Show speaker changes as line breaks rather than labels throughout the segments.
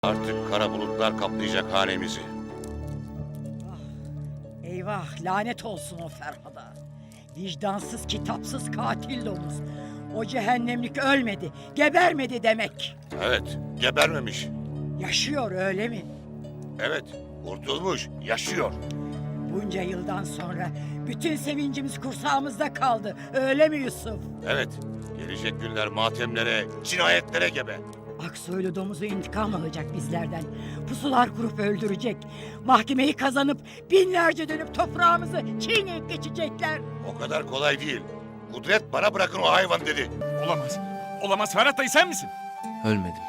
Artık kara bulutlar kaplayacak hanemizi.
Eyvah, lanet olsun o Ferhat'a. Vicdansız, kitapsız katil domuz. O cehennemlik ölmedi, gebermedi demek.
Evet, gebermemiş.
Yaşıyor, öyle mi?
Evet, kurtulmuş, yaşıyor.
Bunca yıldan sonra bütün sevincimiz kursağımızda kaldı. Öyle mi Yusuf?
Evet, gelecek günler matemlere, cinayetlere gebe.
Aksoylu domuzu intikam alacak bizlerden. Pusular kurup öldürecek. Mahkemeyi kazanıp binlerce dönüp toprağımızı çiğneyip geçecekler.
O kadar kolay değil. Kudret bana bırakın o hayvan dedi.
Olamaz. Olamaz. Ferhat dayı sen misin?
Ölmedim.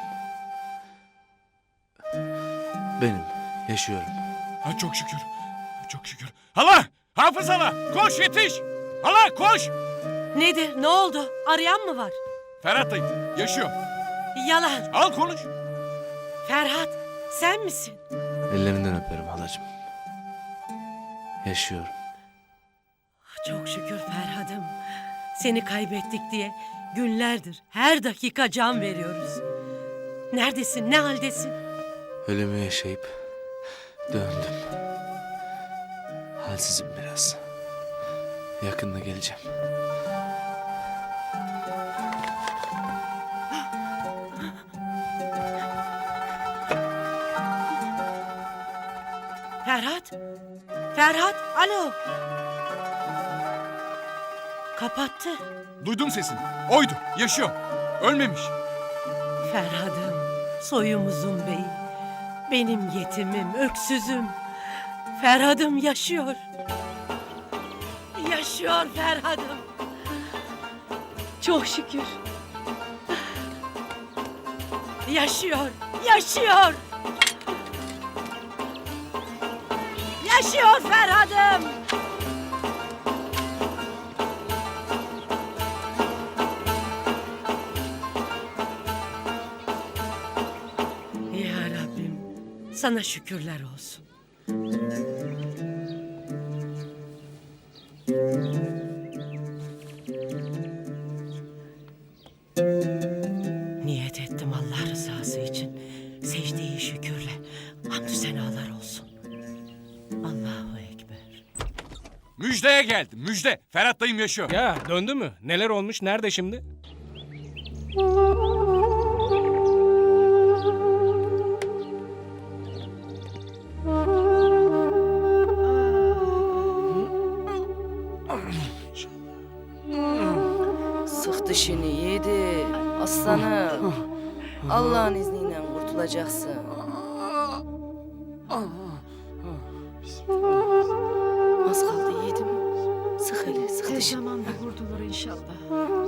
Benim. Yaşıyorum.
Ha, çok şükür. Çok şükür. Hala! Hafız hala! Koş yetiş! Hala koş!
Nedir? Ne oldu? Arayan mı var?
Ferhat dayı yaşıyor.
Yalan.
Al konuş.
Ferhat, sen misin?
Ellerinden öperim halacığım. Yaşıyorum.
Çok şükür Ferhat'ım. Seni kaybettik diye günlerdir her dakika can veriyoruz. Neredesin? Ne haldesin?
Ölümü yaşayıp döndüm. Halsizim biraz. Yakında geleceğim.
Ferhat? Ferhat, alo. Kapattı.
Duydum sesini. Oydu. Yaşıyor. Ölmemiş.
Ferhat'ım, soyumuzun beyi. Benim yetimim, öksüzüm. Ferhat'ım yaşıyor. Yaşıyor Ferhat'ım. Çok şükür. Yaşıyor, yaşıyor. Yaşıyor Ferhat'ım. Ya Rabbim, sana şükürler olsun. Niyet ettim Allah rızası için. Secde-i şükürle hamdü senalar olsun. Allahu Ekber.
Müjdeye geldim. Müjde. Ferhat dayım yaşıyor.
Ya döndü mü? Neler olmuş? Nerede şimdi?
Sık dişini yedi aslanım. Allah'ın izniyle kurtulacaksın. Az kaldı yiğidim. Sık hele sık
Tez
dişini.
zamanda kurtulur inşallah.